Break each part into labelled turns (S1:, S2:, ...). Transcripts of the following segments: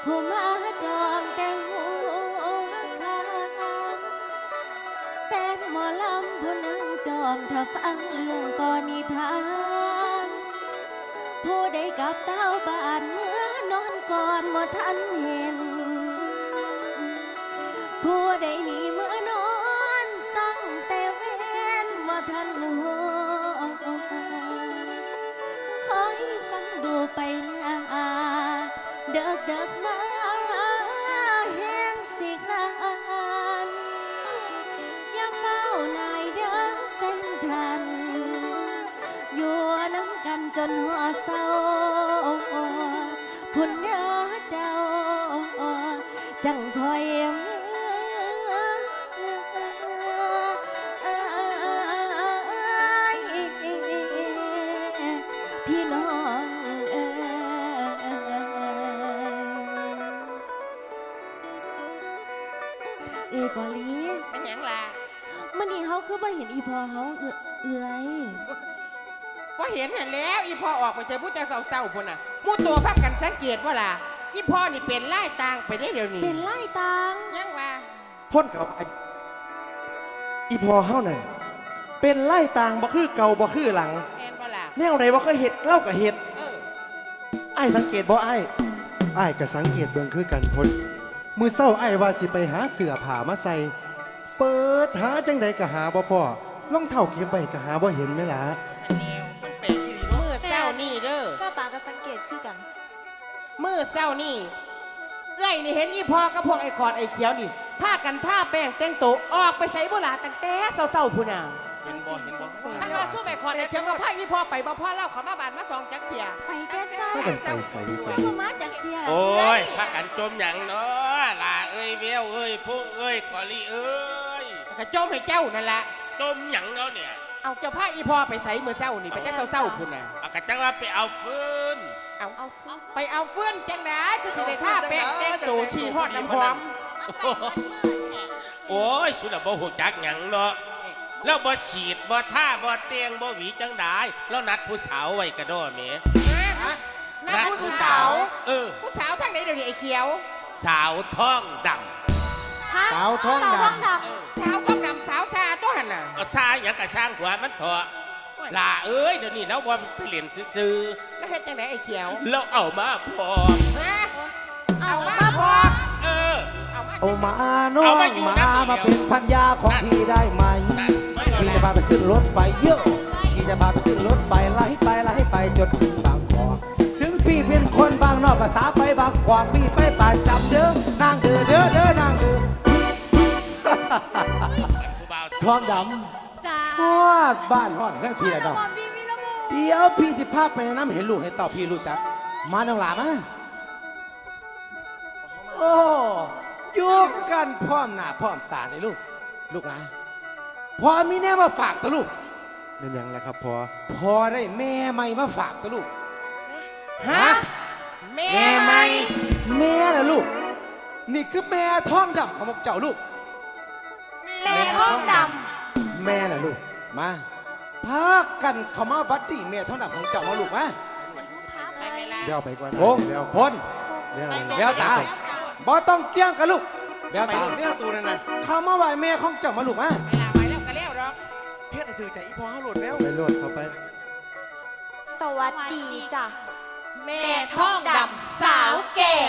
S1: ผู้มาจองแต่หัวคาเป็นหมอลำผู้นั่งจองถ้าฟังเรื่องตอนนิทานผู้ใดกับเต้าบ้านเมื่อนอนก่อนบ่ทันเห็นผู้ใดหนีเมื่อนอนตั้งแต่เว้นบ่ทันหัวคอยฟังดูไปนาเด็กมาแห้งสิกลานอย่าเฝ้านายเด้อแฟนฉันอยู่น้ำกันจนหัวเศร้าพุ่นเด้อเจ้าจังคอยพี่น้องกอลี
S2: เป็นหยังล่ะ
S1: มื่อนี้เขาคือบ่เห็นอีพอเขาเอื้อย
S2: ว่าเห็นแล้วอีพ่อออกไปเจอผู้เจ้าเศร้าๆพุ่นน่ะมู่ตัวพักกันสังเกตว่าล่ะอีพ่อนี่เป็นไล่ตางไปได้เดี๋ยวนี้
S1: เป็นไล่ตัง
S2: ยังว่า
S3: พ่นกับอีพอเฮานั่นเป็นไล่ต่างบ่คือเก่าบ่คือหลัง
S2: แอนบ่ล่ะ
S3: แนวไหนบ่เคยเห็ดเล่ากับเห็ดอ้ายสังเกตบ่อ้ายก็สังเกตเบิ่งคือกันพ่นมือเศร้าอ้ายว่าสิไปหาเสื้อผ้ามาใส่เปิดหาจังใดก็หาบ่พอรองเท้าเก็บไว้ก็หาบ่เห็นแม่ล่ะ
S2: มันแปลกอีหลีมือเศร้านี่เด้อ
S1: หน้าตาก็สังเกตคือกัน
S2: มือเศร้านี่เอ้ยนี่เห็นอีพ่อกับพวกไอ้ขอดไอ้เขียวนี่พากันท่าแป้งแต่งตัวออกไปใส่โบราณตั้งแต่เศร้าๆพุ่นน่ะ
S3: เห็นบ่
S2: ท่านว่าสู้ไอ้ขอดไอ้เขียวกับพาอีพ่อไปบ่พ่อเล่าเขามาบ้านมาสองจักเที่ย
S1: ไปแก่ซ่าก็มาจากเสีย
S4: โอ้ยพากันจมหยังเนาะล่ะเอ้ยเวลเอ้ยพุ่งเอ้ยกอลี่เอ้ย
S2: กระโจมให้เจ้านั่นแหละ
S4: จมหยังเนาะเนี่ย
S2: เอาเจ้าพาอีพ่อไปใส่มือเศร้านี่ไปแต่เศร้าๆพุ่นน่ะ
S4: เอากระจังว่าไปเอาฟืน
S2: ไปเอาเฟื่อนจังนะคือสิได้ท่าแป้งแต่งตัวชีฮอดน้ำหอม
S4: โอ้ยสุดละบ่หูจักหยังเนาะแล้วบ่ฉีดบ่ท่าบ่เตียงบ่หวีจังได้แล้วนัดผู้สาวไว้กระโดดแหม
S2: นัดผู้สาวผู้สาวทางไหนเดี๋ยวนี้ไอ้เขียว
S4: สาวท้องด
S3: ำสาวท้องดำ
S2: สาวท้องดำสาวซาตัวหันน่ะ
S4: ซาหยังกะสร้างหัวมันเถอะล่ะเอ้ยเดี๋ยวนี้แล้วว่าไปเล่นซื่อ
S2: แล้วเฮ็ดจังไหนไอ้เขียว
S4: แล้วเอามาพอ
S2: เอามาพอ
S3: เอามาน้องมาเป็นพันยาของพี่ได้ไหมพี่จะพาไปขึ้นรถไฟเยอะพี่จะพาไปขึ้นรถไฟไล่ไปจนถึงบางกอกถึงพี่เป็นคนบางนอกภาษาไปบางกวางพี่ไปป่าจับเด้อนางเด้อนางเด้อท้องดำฮอดบ้านฮอดเพื่อนพี่ดำเดี๋ยวพี่สิพาไปน้ำเห็นลูกให้เต่าพี่รู้จักมาน้องหลามาโอ้ยุกกันพร้อมหน้าพร้อมตาเลยลูกนะพอมีแน่มาฝากตัวลูกเป็นยังไงครับพอได้แม่ใหม่มาฝากตัวลูก
S2: ฮะแม่ใหม่
S3: แม่นะลูกนี่คือแม่ท้องดำของพวกเจ้าลูก
S2: แม่ท้องดำ
S3: แม่นะลูกมาพากันเข้ามาบัดดี้แม่ท้องดำของเจ้ามาลูกมาเดี๋ยวไปก่อนเดี๋ยวพ้นเดี๋ยวตาบ่ต้องเกี่ยงกันลูกเดี๋ยวตาเดี๋ยวตัวนั่นนะเข้ามาไหวแม่ของเจ้ามาลูกมา
S2: ไปแล้วก็แล้วหรอก
S3: เฮ็ดให้ถือใจอีพ่อเขาโหลดแล้วไปโหลดเข้าไป
S1: สวัสดีจ้ะ
S2: แม่ท้องดำสาวแก่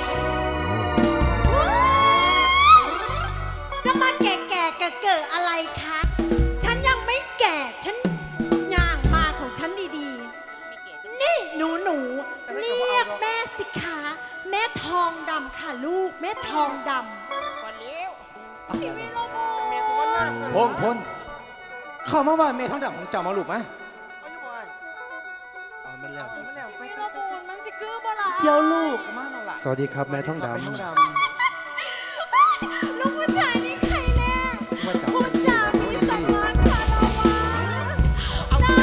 S1: จะมาแก่เกิดอะไรคะฉันยังไม่แก่ฉันย่างมาของฉันดีๆนี่หนูเรียกแม่สิคะแม่ทองดำค่ะลูกแม่ทองดำ
S2: วันนี้
S1: พี่วิโรโม
S3: พนเข้ามาว่าแม่ทองดำของเจ้ามาลูกไหมมันแล้ว
S1: วิโรโมมันจะกือบ่ล่ะ
S3: เดี๋ยวลูกมาหน่อยล่ะสวัสดีครับแม่ทองดำ
S1: ลูกผู้ชายนี่ใครแน่ผู้ชายมีสมานคารวะน่า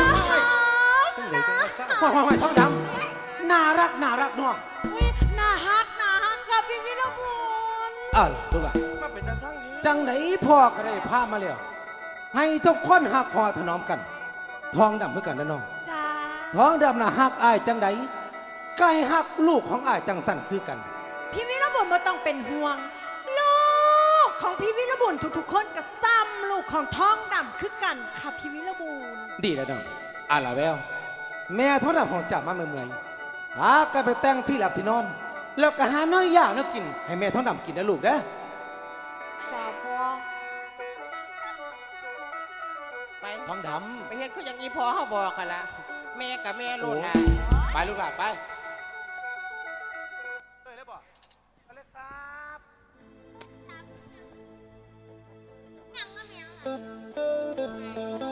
S3: รักทองดำน่ารักนัว
S1: น่าฮักกับพี่วิโรโม
S3: ลูกอะจังไหนพ่อก็ได้พามาแล้วให้ทุกคนหักคอถนอมกันทองดำเมื่อกันนะน้อง
S1: จ้า
S3: ท้องดำน่ะฮักอายจังไดไก่ฮักลูกของอายจังสั่นคือกัน
S5: พี่วิรบุญไม่ต้องเป็นห่วงลูกของพี่วิรบุญทุกๆคนก็ซ้ำลูกของท้องดำคือกันค่ะพี่วิรบุญ
S3: ดีแล้วน้องอ่านละแววแม่ท้องดำของจับมาเมื่อยๆหากันไปแต่งที่หลับที่นอน แล้วก็หาน้อยอย่างแล้วกินให้แม่ท้องดำกินนะลูกนะ
S5: แต่พอ
S2: ไป
S3: ท้องด
S2: ไปเฮ็ดคืออย่างอีพอเฮาบอกกันละแม่กับแม่โลดละ
S3: ำไปลูกหลานไปเลยบอกไปเลยครับ